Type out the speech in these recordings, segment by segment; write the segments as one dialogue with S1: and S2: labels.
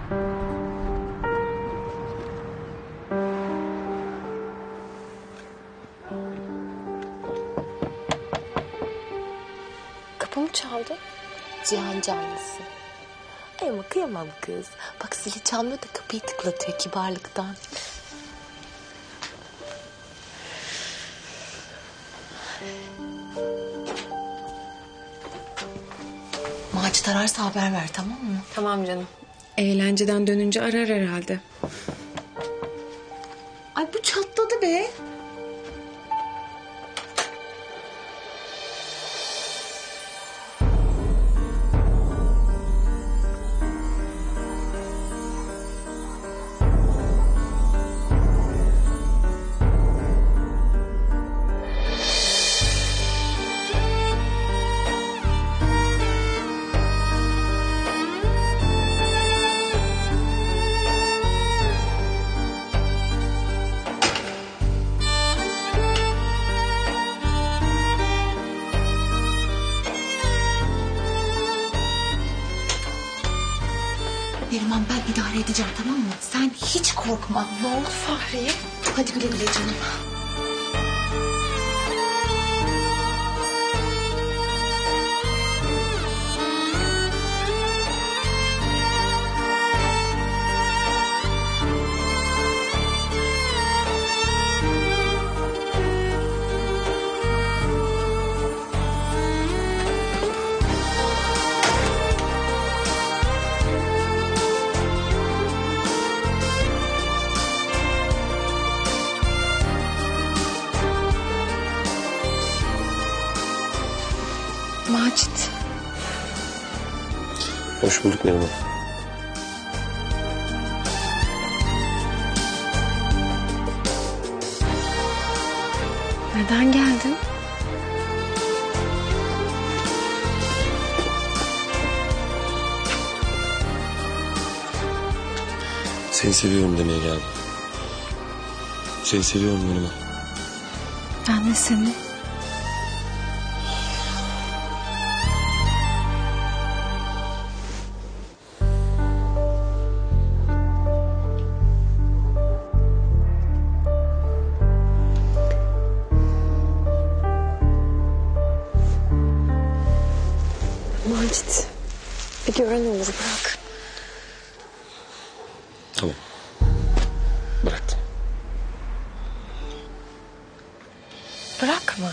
S1: Kapı mı çaldı? Cihan canlısı. Ay ama kıyamam kız. Bak zili çalmıyor da kapıyı tıklatıyor kibarlıktan. Macit ararsa haber ver, tamam mı?
S2: Tamam canım.
S3: Eğlenceden dönünce arar herhalde.
S1: Ay bu çatladı be. Neriman ben idare edeceğim, tamam mı? Sen hiç korkma. Ne oldu Fahriye? Hadi güle güle canım. Macit.
S4: Hoş bulduk Neriman.
S3: Neden geldin?
S4: Seni seviyorum demeye geldim. Seni seviyorum Neriman.
S3: Ben de seni. Macit, bir gören olur, bırak.
S4: Tamam. Bıraktım.
S1: Bırakma.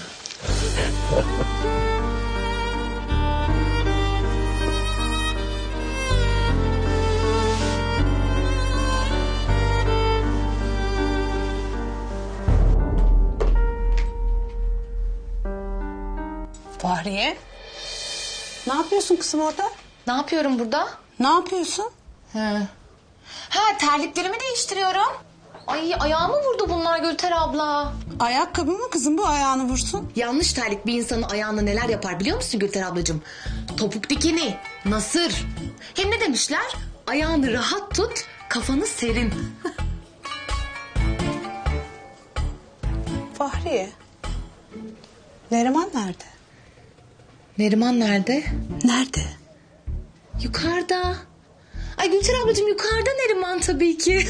S2: Fahriye. Ne yapıyorsun kızım orada?
S1: Ne yapıyorum burada?
S2: Ne yapıyorsun?
S1: Ha terliklerimi değiştiriyorum. Ay ayağımı vurdu bunlar Gülter abla.
S2: Ayakkabı mı kızım bu ayağını vursun?
S1: Yanlış terlik bir insanın ayağına neler yapar biliyor musun Gülter ablacığım? Topuk dikeni, nasır. Hem ne demişler? Ayağını rahat tut, kafanı serin.
S2: Fahriye. Neriman nerede?
S1: Neriman nerede?
S2: Nerede?
S1: Yukarıda. Ay Gülter ablacığım yukarıda Neriman tabii ki.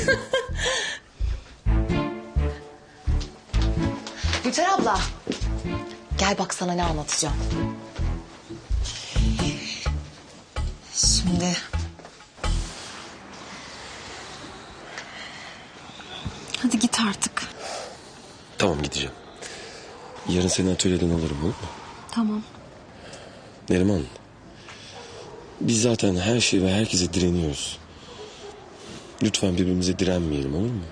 S1: Gülter abla. Gel bak sana ne anlatacağım. Şimdi...
S3: Hadi git artık.
S4: Tamam gideceğim. Yarın seni atölyeden alırım, olur mu?
S3: Tamam.
S4: Neriman. Biz zaten her şey ve herkese direniyoruz. Lütfen birbirimize direnmeyelim, olur mu?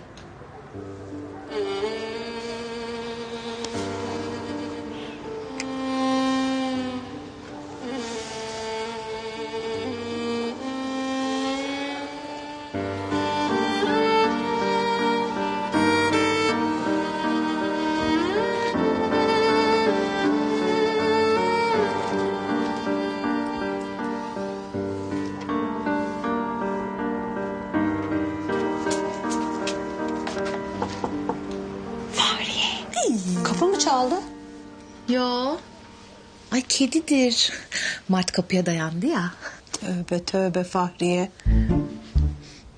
S2: Kapı mı çaldı?
S1: Yo. Ay kedidir. Mart kapıya dayandı ya.
S2: Tövbe tövbe Fahriye.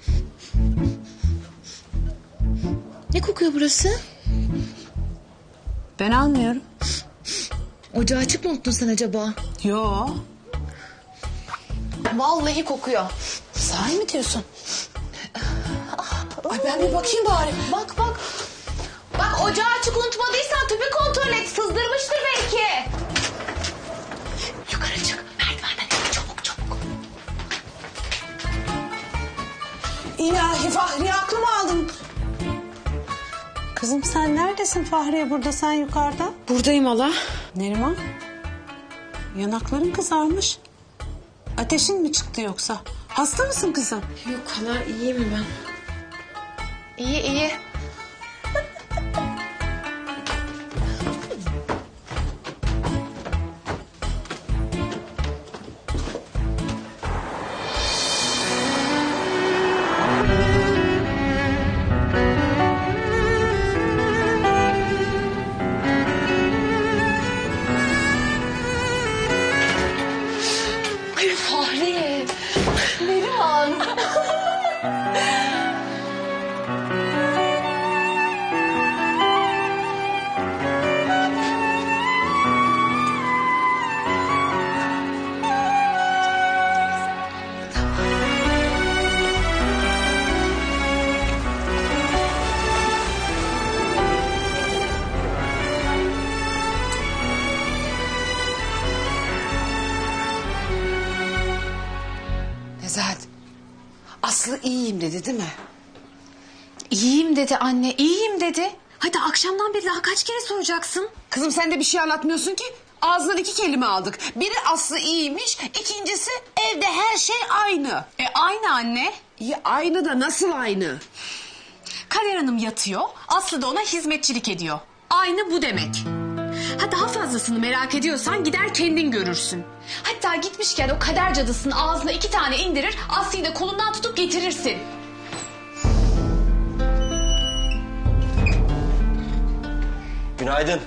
S1: kokuyor burası?
S2: Ben almıyorum.
S1: Ocağı açık mı unuttun sen acaba?
S2: Yo.
S1: Vallahi kokuyor.
S2: Sahi mi diyorsun? Ay ben bir bakayım bari.
S1: Bak bak. Bak ocağı açık unutmadıysan tüpü kontrol et. Sızdırmıştır belki. Yukarı çık. Merdivenden çabuk çabuk.
S2: İlahi Fahriye aklımı aldın. Kızım sen neredesin Fahriye, burada sen yukarıda?
S3: Buradayım hala.
S2: Neriman? Yanakların kızarmış. Ateşin mi çıktı yoksa? Hasta mısın kızım?
S3: Yok hala iyiyim ben.
S1: İyi iyi. Ay Fahri. Neriman.
S2: Nezahat, Aslı iyiyim dedi değil mi?
S1: İyiyim dedi anne, iyiyim dedi. Hadi akşamdan beri daha kaç kere soracaksın?
S2: Kızım sen de bir şey anlatmıyorsun ki. Ağzından 2 kelime aldık. Biri Aslı iyiymiş, ikincisi evde her şey aynı.
S1: Aynı anne.
S2: İyi aynı da nasıl aynı?
S1: Kader Hanım yatıyor, Aslı da ona hizmetçilik ediyor. Aynı bu demek. Ha daha fazlasını merak ediyorsan gider kendin görürsün. Hatta gitmişken o kader cadısının ağzına 2 tane indirir, Aslı'yı da kolundan tutup getirirsin.
S5: Günaydın.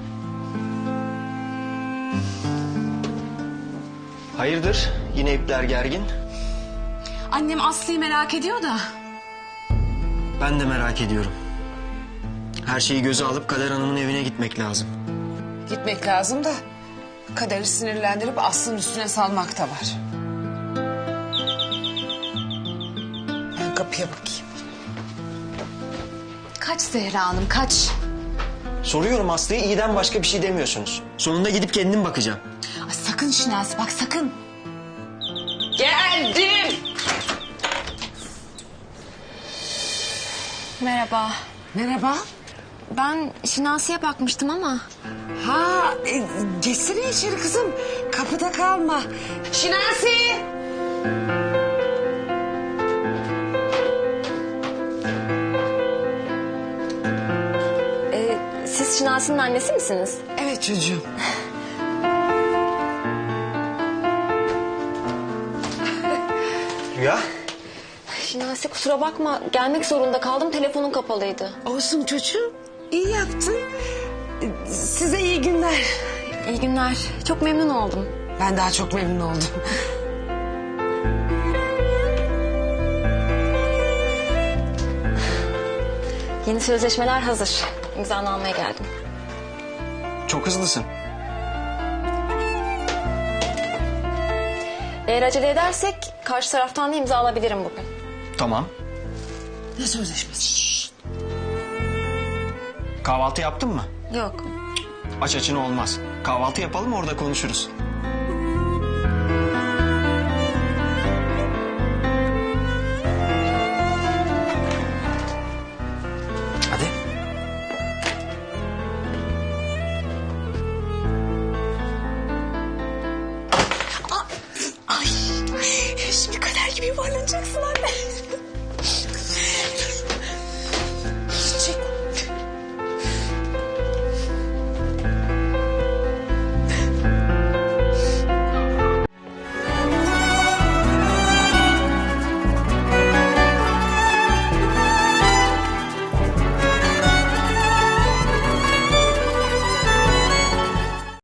S5: Hayırdır? Yine ipler gergin.
S1: Annem Aslı'yı merak ediyor da.
S5: Ben de merak ediyorum. Her şeyi göze alıp Kader Hanım'ın evine gitmek lazım.
S2: Gitmek lazım da Kader'i sinirlendirip Aslı'nın üstüne salmak da var. Ben kapıya bakayım.
S1: Kaç Zehra Hanım kaç.
S5: Soruyorum Aslı'ya, iyiden başka bir şey demiyorsunuz. Sonunda gidip kendim bakacağım.
S1: Ay, sakın Şinasi bak sakın.
S2: Geldim.
S3: Merhaba.
S2: Merhaba.
S3: Ben Şinasi'ye bakmıştım ama.
S2: Ha, geçsene içeri kızım. Kapıda kalma. Şinasi.
S3: Siz Şinasi'nin annesi misiniz?
S2: Evet çocuğum.
S5: Rüya?
S3: Şinasi kusura bakma, gelmek zorunda kaldım, telefonun kapalıydı.
S2: Olsun çocuğum. İyi yaptın. Size iyi günler.
S3: İyi günler, çok memnun oldum.
S2: Ben daha çok memnun oldum.
S3: Yeni sözleşmeler hazır. İmzanı almaya geldim.
S5: Çok hızlısın.
S3: Eğer acele edersek karşı taraftan da imza alabilirim bugün.
S5: Tamam.
S2: Ne sözleşmesi?
S5: Kahvaltı yaptın mı?
S3: Yok.
S5: Aç açına olmaz. Kahvaltı yapalım, orada konuşuruz. Hadi.
S1: Ay şimdi Kader gibi yuvarlanacaksın anne.